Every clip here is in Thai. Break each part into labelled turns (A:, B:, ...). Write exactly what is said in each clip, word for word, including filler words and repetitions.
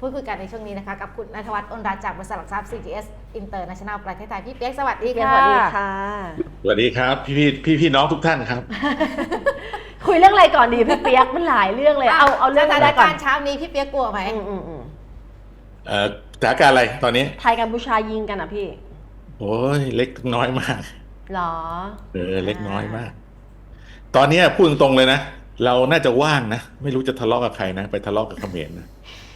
A: พูดคุยกันในช่วงนี้นะคะกับคุณณัฐวัฒน์ อ้นรัตน์จากบริษัทหลักทรัพย์ ซี จี เอส International ประเทศไทยพี่เปี๊ยกสวัสดีค่ะ
B: สวัสดีค่ะ
C: สวัสดีครับพี่พี่พี่พี่น้องทุกท่านครับ
B: คุยเรื่องอะไรก่อนดีพี่เปียกมันหลายเรื่องเลยเอาเอาเรื่อง
A: ส
B: อะ
A: ถา
B: ไร
A: น
B: ก่อน
A: การณ์เช้านี้พี่เปี๊ยกกลัวไหม
B: อืมอืมอืม
C: เอ่อสถานการณ์อะไรตอนนี้
B: ไทยกัมพูชายิงกันอ่ะพี่
C: โอ้ยเล็กน้อยมาก
B: หรอ
C: เออเล็กน้อยมาก ตอนนี้พูดตรงๆเลยนะเราน่าจะว่างนะไม่รู้จะทะเลาะกับใครนะไปทะเลาะกับเขมรนะ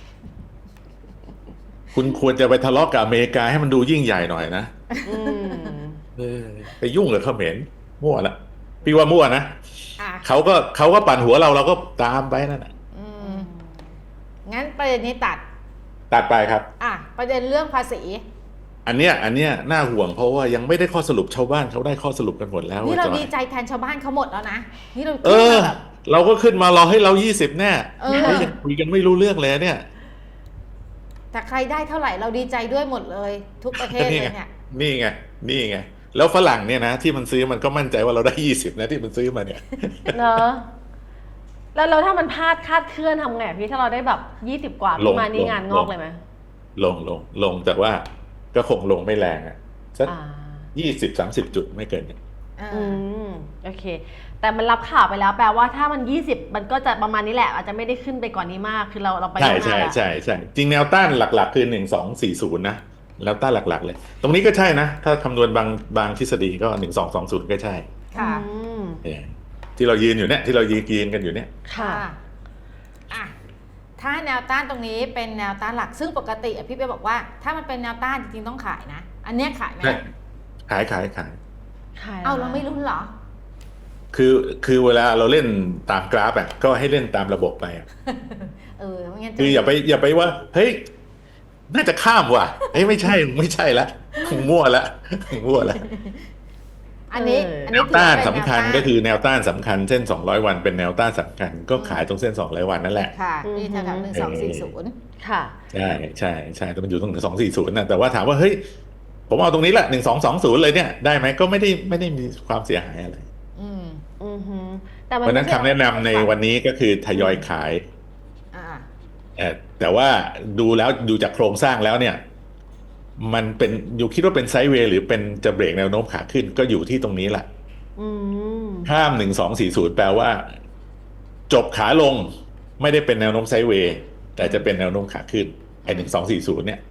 C: คุณควรจะไปทะเลาะกับอเมริกาให้มันดูยิ่งใหญ่หน่อยนะ
B: อืม
C: เออไปยุ่งกับเขมรมั่วละพี่ว่ามั่วนะ
A: อ่ะ
C: เขาก็เขาก็ปั่นหัวเราเราก็ตามไปนั่นแหละ
A: อืมงั้นประเด็นนี้ตัด
C: ตัดไปครับ
A: อ่ะประเด็นเรื่องภาษี
C: อันเนี้ยอันเนี้ยน่าห่วงเพราะว่ายังไม่ได้ข้อสรุปชาวบ้านเขาได้ข้อสรุปกันหมดแล้ว
A: นี่เรา
C: จอย
A: ดีใจแทนชาวบ้านเขาหมดแล้วนะนี่เรา
C: เอ
A: ขึ้น
C: อ
A: มาแบบ
C: เราก็ขึ้นมารอให้เรายี่สิบแน่
A: เออ
C: เฮ้ยยังคุยกันไม่รู้เรื่องเลยเนี่ย
A: แต่ใครได้เท่าไหร่เราดีใจด้วยหมดเลย ทุกประเทศเลยเนี่ย
C: นี่ไงนี่ไงแล้วฝรั่งเนี่ยนะที่มันซื้อมันก็มั่นใจว่าเราได้ยี่สิบนะที่มันซื้อมาเนี่ย
B: เนอะแล้วแล้วถ้ามันพลาดคาดเคลื่อนทำไงพี่ถ้าเราได้แบบยี่สิบกว่า
C: ล
B: พี่
C: ง
B: มานี่
C: ลง
B: งานงอกเลยไหม
C: ลงลงลงจากว่าก็คงลงไม่แรงอ่ะสัก
B: อ่า
C: ยี่สิบสามสิบจุดไม่เกินเนี่ย
A: อ่า
B: อืมโอเค แต่มันรับข่าวไปแล้วแปลว่าถ้ามันยี่สิบมันก็จะประมาณนี้แหละอาจจะไม่ได้ขึ้นไปกว่อนนี้มากคือเราเราไป
C: ใช่
B: ข้างหน้า
C: ใช่
B: แล้ว
C: ใช่ใช่จริงแนวต้านหลักๆคือหนึ่งสองสี่ศูนย์นะแนวต้านหลักๆเลย ตรงนี้ก็ใช่นะ ถ้าคำนวณบางบางทฤษฎีก็หนึ่งสองสองศูนย์ก็ใช่
A: ค่ะ
B: อืม
C: เออที่เรายืนอยู่เนี่ยที่เรายืนยืนกันอยู่เนี่ย
B: ค่ะ
A: อ่ะถ้าแนวต้านตรงนี้เป็นแนวต้านหลักซึ่งปกติอ่ะพี่เปี๊ยกบอกว่า ถ้ามันเป็นแนวต้านจริงๆต้องขายนะ อันเนี้ยขายไหม
C: ใช่ขายขายขาย
B: ขาย
A: เอาเราไม่รุ้นเหรอ
C: คือคือเวลาเราเล่นตามกราฟอ่ะก็ให้เล่นตามระบบไปอะ
A: เออไม่งั้นจะ
C: คืออย่าไปอย่าไปว่าเฮ้ยน่าจะข้ามว่ะเฮ้ยไม่ใช่ไม่ใช่ละคงมั่วละคงมั่วละ
A: อันนี้อัน
C: แน
A: นี้
C: วต้าน
A: ถือ
C: สำ
A: ว่เป็
C: คัญ
A: แนวต้าน
C: ก็คือแนวต้านสำคัญเส้นสองร้อยวันเป็นแนวต้านสำคัญก็ขายตรงเส้นสองร้อยวันนั่นแหละ
A: ค่ะที่แถวๆหนึ่งสองสี่ศูนย์
B: ค่ะ
C: ใช่ใช่ใช่แต่มันอยู่ตรงสองสี่ศูนย์นะแต่ว่าถามว่าเฮ้ยผมเอาตรงนี้แหละหนึ่งสองสองศูนย์เลยเนี่ยได้ไหมก็ไม่ได้ไม่ได้มีความเสียหายอะไร
A: อืม
B: อือฮึแต่มั
C: เพราะฉะนั้นคำแนะนำในวันนี้ก็คือทยอยขาย
A: อ่า
C: เอ่อแต่ว่าดูแล้วดูจากโครงสร้างแล้วเนี่ย มันเป็นอยู่คิดว่าเป็นไซด์เวย์หรือเป็นจะเบรกแนวโน้มขาขึ้นก็อยู่ที่ตรงนี้แหละ
B: อืม
C: ห้ามหนึ่งสองสี่ศูนย์แปลว่า จบขาลงไม่ได้เป็นแนวโน้มไซด์เวย์แต่จะเป็นแนวโน้มขาขึ้นไอ้หนึ่งสองสี่ศูนย์เนี่ย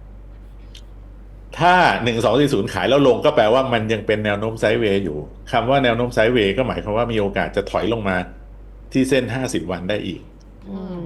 C: ถ้าหนึ่งสองสี่ศูนย์ขายแล้วลงก็แปลว่ามันยังเป็นแนวโน้มไซด์เวย์อยู่คำว่าแนวโน้มไซด์เวย์ก็หมายความว่ามีโอกาสจะถอยลงมาที่เส้นห้าสิบวันได้อีก
B: อืม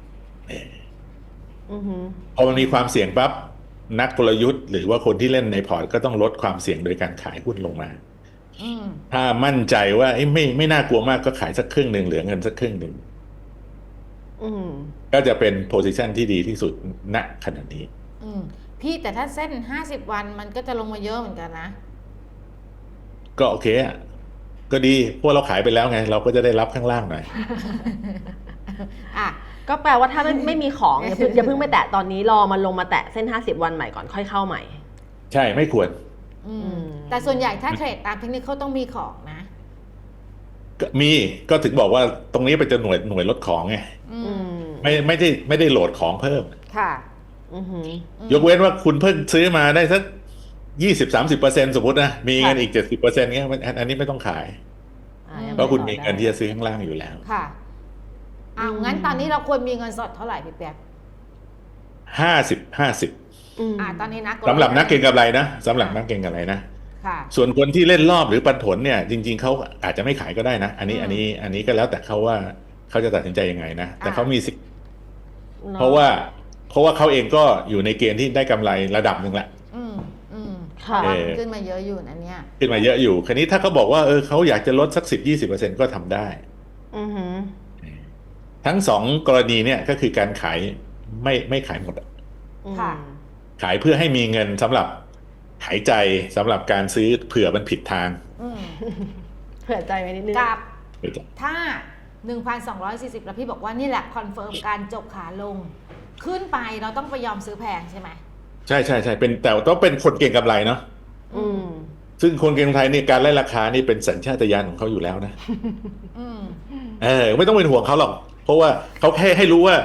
B: อือฮึ
C: พอมันมีความเสี่ยงปั๊บนักกลยุทธ์หรือว่าคนที่เล่นในพอร์ตก็ต้องลดความเสี่ยงโดยการขายหุ้นลงมา
A: อืม
C: ถ้ามั่นใจว่าเอ้ยไม่ไม่น่ากลัวมากก็ขายสักครึ่งหนึ่งเหลือเงินสักครึ่งหนึ่ง
B: อืม
C: ก็จะเป็นโพซิชันที่ดีที่สุดณขณะนี้
A: อืมพี่แต่ถ้าเส้นห้าสิบวันมันก็จะลงมาเยอะเหมือนกันนะ
C: ก็โอเคอะก็ดีพวกเราขายไปแล้วไง เราก็จะได้รับข้างล่างหน่อย
A: อ่ะ
B: ก็แปลว่าถ้าไม่ไม่มีของอย่าเพิ่งอย่าเพิ่งไปแตะตอนนี้รอมันลงมาแตะเส้นห้าสิบวันใหม่ก่อนค่อยเข้าใหม่
C: ใช่ไม่ควร
A: อืม
B: อืม
A: แต่ส่วนใหญ่ถ้าเทรดตามเทคนิคเขาต้องมีของนะ
C: ก็มีก็ถึงบอกว่าตรงนี้เป็นจะหน่วยหน่วยลดของไง
A: อื
B: อื
A: ม
B: ม
C: ไม่ไม่ได้ไม่ได้โหลดของเพิ่ม
A: ค่ะ
B: อือฮึ
A: อืม
C: ยกเว้นว่าคุณเพิ่งซื้อมาได้สักยี่สิบสามสิบเปอร์เซ็นสมมตินะมีเงินอีกเจ็ดสิบเปอร์เซ็นต์เงี้ยมันอันอันนี้ไม่ต้องขาย
B: อ่ยัง
C: เพราะคุณมี
B: ไปต่อ
C: เงินที่
B: ได้
C: จะซื้อข้างล่างอยู่แล้ว
A: ค่ะอ้าวงั้นตอนนี้เราควรมีเงินสดเท่าไหร่พี่เปียก
C: ห้าสิบห้าสิบ
B: อืม
A: อ่าตอนนี้นัก
C: สำหรับนักเก็งกำไรนะสำหรับนักเก็งกำไรนะ
A: ค่ะ
C: ส่วนคนที่เล่นรอบหรือปันผลเนี่ย จริง ๆเขาอาจจะไม่ขายก็ได้นะ อันนี้
A: อืม
C: อันนี้อันนี้ก็แล้วแต่เขาว่าเขาจะตัดสินใจยังไงนะ แต่
A: อ่า
C: เขามีสิทธิ์
B: นอ
C: เพราะว่าเพราะว่าเขาเองก็อยู่ในเกณฑ์ที่ได้กำไรระดับหนึ่งแหละ
A: อืมอืม
B: ค่ะ
A: เพราะว่า
C: เออ
A: มันขึ้นมาเยอะอยู่นะเนี่ย
C: ขึ้นมาเยอะอยู่ คราวนี้ถ้าเขาบอกว่าเออเขาอยากจะลดสักสิบยี่สิบเปอร์เซ็นต์ก็ทำได้
B: อือฮึ
C: ทั้งสองกรณีเนี่ยก็คือการขายไม่ไม่ขายหมดอะ
A: ค่ะ
C: ขายเพื่อให้มีเงินสำหรับหายใจสำหรับการซื้อเผื่อมันผิดทาง
A: อืม
B: เผื่อใจไว้นิดนึง
A: กับถ้า หนึ่งพันสองร้อยสี่สิบ แล้วพี่บอกว่านี่แหละคอนเฟิร์มการจบขาลง ขึ้นไปเราต้องไปยอมซื้อแพงใช่ไหม
C: ใช่ใช่ใช่เป็นแต่ต้องเป็นคนเก่งกำไรเนาะ
B: อืม
C: ซึ่งคนเก่งกำไรนี่การไล่ราคานี่เป็นสัญชาตญาณของเขาอยู่แล้วนะ
A: อืม
C: เออไม่ต้องเป็นห่วงเขาหรอก เพราะว่าเขาแค่ให้รู้ว่า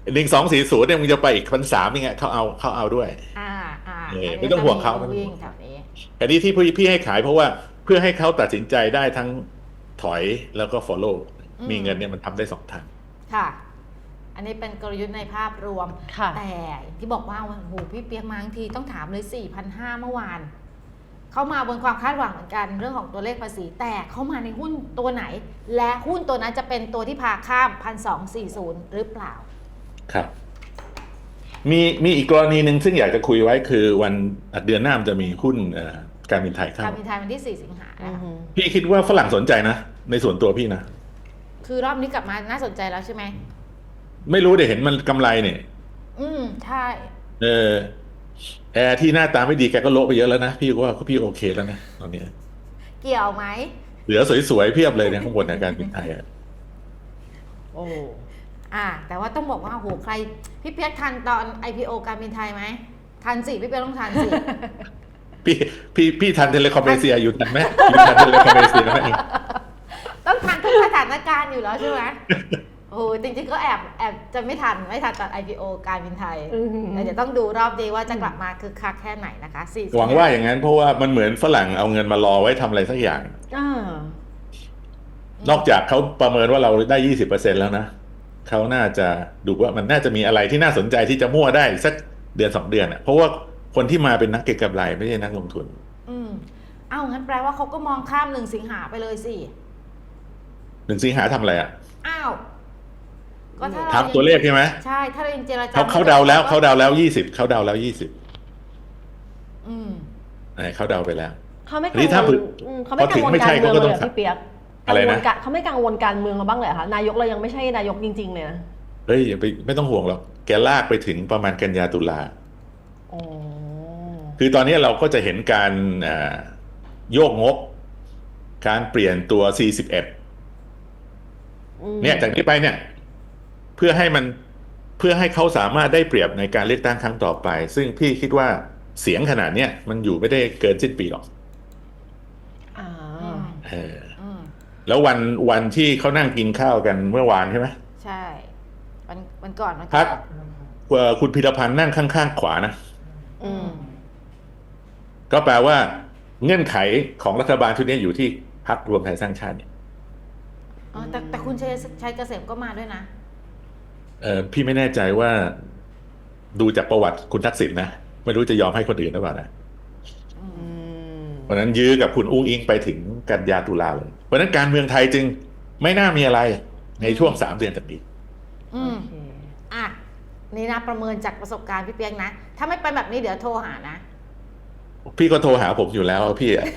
C: หนึ่งสองสี่ศูนย์เนี่ยมึงจะไปอีกพันสามยังไงเขาเอาเขาเอาด้วย
A: อ่าอ่า
C: เออ
A: อัน
C: ไม่
A: นี้
C: ต้องห่วงเขา
A: จะมีวิ่งแถวนี้
C: อันนี้ที่พี่พี่ให้ขายเพราะว่าเพื่อให้เขาตัดสินใจได้ทั้งถอยแล้วก็ follow
A: อืม
C: มีเงินเนี่ยมันทำได้สองทาง
A: ค่ะ อันนี้เป็นกลยุทธ์ในภาพรวม
B: ค่ะ
A: แต่ที่บอกว่าโอ้โหพี่เปียกมาทั้งทีต้องถามเลย สี่พันห้าร้อย เมื่อวาน เขามาบนความคาดหวังเหมือนกันเรื่องของตัวเลขภาษี แต่เขามาในหุ้นตัวไหน และหุ้นตัวนั้นจะเป็นตัวที่พาข้าม หนึ่งพันสองร้อยสี่สิบ หรือเปล่า
C: ครับ มีมีอีกกรณีหนึ่งซึ่งอยากจะคุยไว้คือวันเดือนหน้ามันจะมีหุ้นเอ่อการบินไทยเข้า
A: การบินไทยวันที่ สี่ สิงหา
B: อื
A: นะ
B: อ
A: คะ
B: หือ
C: พี่คิดว่าฝรั่งสนใจนะ ในส่วนตัวพี่นะ
A: คือรอบนี้กลับมาน่าสนใจแล้วใช่ไหม
C: ไม่รู้เดี๋ยวเห็นมันกำไรเนี่ย
A: อืมใช่
C: เออแอร์ที่หน้าตาไม่ดีแกก็โละไปเยอะแล้วนะ พี่ก็ว่าพี่โอเคแล้วนะตอนนี้
A: เกี่ยวไหม
C: เหลือสวยๆเพียบเลยเนี่ยข้างบนในการบินไทยอะ
B: โอ้
A: อ่า แต่ว่าต้องบอกว่าโอ้โหใคร พี่เปียกทันตอน ไอ พี โอ การบินไทยไหมทันสิพี่เปียกต้องทันสิ
C: พี่พี่พี่ทันเทเลคอมเมเซียอยู่ทันไหมอยู่ทันเทเลคอมเมเซียไหม
A: ต้องทันทุกสถานการณ์อยู่แล้วใช่ไหมโอ้โหจริงๆก็แอบแอบจะไม่ทันไม่ทันตอน ไอ พี โอ การบินไทย
B: อือหือ
A: แต่เดี๋ยวต้องดูรอบดีว่าจะกลับมาคึกคักแค่ไหนนะคะสี่
C: หวังว่าอย่างนั้นเพราะว่ามันเหมือนฝรั่งเอาเงินมารอไว้ทำอะไรสักอย่าง
B: อ่า
C: นอกจากเขาประเมินว่าเราได้ยี่สิบเปอร์เซ็นต์แล้วนะเขาน่าจะดูว่ามันน่าจะมีอะไรที่น่าสนใจที่จะมั่วได้สักเดือนสองเดือนอ่ะเพราะว่าคนที่มาเป็นนักเก็งกำไรไม่ใช่นักลงทุน
A: อืมเอ้างั้นแปลว่าเขาก็มองข้ามหนึ่งสิงหาไปเลยสิ
C: หนึ่งสิงหาทำอะไรอ่ะ
A: อ้าวก็ถ้า
C: ถามตัวเลขใช่ไหม
A: ใช่ถ้าเรายังเจรจา
C: เขาเขาเดาแล้วเขาเดาแล้วยี่สิบเขาเดาแล้วยี่สิบ
A: อืม
C: เขาเดาไปแล้ว
B: เขาไม่
C: อั
B: กัน
C: นี้
B: ง
C: ถ้าว
B: ลอืมเขาไม่
C: พอ
B: กั
C: ถึ
B: ง
C: ง
B: วล
C: ไม่
B: กา
C: ใช่
B: รเมือง
C: เขาก็
B: เล
C: ต้
B: ย
C: อง
B: เหรอพี่เปียก
C: อะไรนะ
B: กังวลกเขาไม่กังวลการเมืองเราบ้างเลยเหรอคะนายกเรายังไม่ใช่นายกจริง ๆ เลยนะ
C: เฮ้ยอย่าไปไม่ต้องห่วงหรอกแกลากไปถึงประมาณกันยาตุลา
B: โอ้
C: คือตอนนี้เราก็จะเห็นการอ่าโยกงบ การเปลี่ยนตัว สี่สิบเอ็ด
B: อืม
C: เนี่ยจากนี้ไปเนี่ย เพื่อให้มันเพื่อให้เขาสามารถได้เปรียบในการเลือกตั้งครั้งต่อไป ซึ่งพี่คิดว่าเสียงขนาดเนี้ยมันอยู่ไม่ได้เกินสิ้นปีหรอก
B: อ่า
A: อืม
C: เออ
A: อืม
C: แล้ววันวันที่เขานั่งกินข้าวกันเมื่อวานใช่ไหม
A: ใช่วันวันก่อนวัน
C: พั
A: ก่
C: ก
A: อน
C: เอ่อคุณพิรพันธ์นั่งข้างๆขวานะ
B: อืม
C: ก็แปลว่าเงื่อนไขของรัฐบาลชุดนี้อยู่ที่พรรครวมไทยสร้างชาติเนี่ย
A: อ๋อแต่แต่คุณชัยชัยเกษมก็มาด้วยนะ
C: เออพี่ไม่แน่ใจว่าดูจากประวัติคุณทักษิณนะไม่รู้จะยอมให้คนอื่นหรือเปล่านะ
B: อืม
C: เพราะฉะนั้นยื้อกับคุณอุ้งอิงไปถึงกันยาตุลาเลย เพราะฉะนั้นการเมืองไทยจึงไม่น่ามีอะไรในช่วงสามเดือนจากนี้
A: อืม
B: โอเค
A: อ่ะนี่นะประเมินจากประสบการณ์พี่เปียกนะ ถ้าไม่เป็นแบบนี้เดี๋ยวโทรหานะ
C: พี่ก็โทรหาผมอยู่แล้วพี่อะ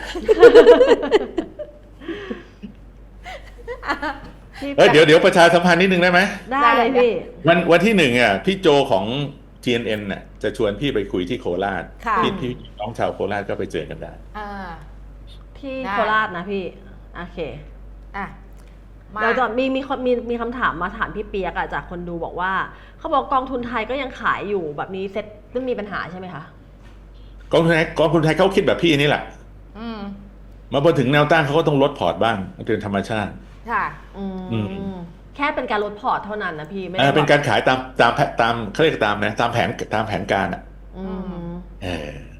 B: พี่
C: เอ้ยเดี๋ยวเดี๋ยวประชาสัมพันธ์นิดนึงได้ไหม
B: ได้เลยพี่
C: วันวันที่หนึ่งอ่ะพี่โจของ จี เอ็น เอ็น น่ะจะชวนพี่ไปคุยที่โคราช
A: ค่ะ
C: พี่พี่น้องชาวโคราชก็ไปเจอกันได้
A: อ่า
B: ที่
A: ได้
B: โคราชนะพี่ โอเค
A: อ่ะมา
B: เดี๋ยวจะมีมีคนมีมีคำถามมาถามพี่เปียกอะจากคนดูบอกว่า เขาบอกกองทุนไทยก็ยังขายอยู่แบบนี้เซ็ตซึ่งมีปัญหาใช่ไหมคะ
C: กองทุนไทยกองทุนไทยเขาคิดแบบพี่นี่แหละ
A: อืม
C: มาพอถึงแนวต้านเขาก็ต้องลดพอร์ตบ้างมันเป็นธรรมชาติ
A: ค่ะ
B: อืม
C: อืม
B: แค่เป็นการลดพอร์ตเท่านั้นนะพี่ไม่
C: เอ
B: ได้
C: อเป็น
B: แบบ
C: การขายตามตามตามเขาเรียกตามนะตามแผนตามแผนการอ่ะ
B: อืม
C: เออ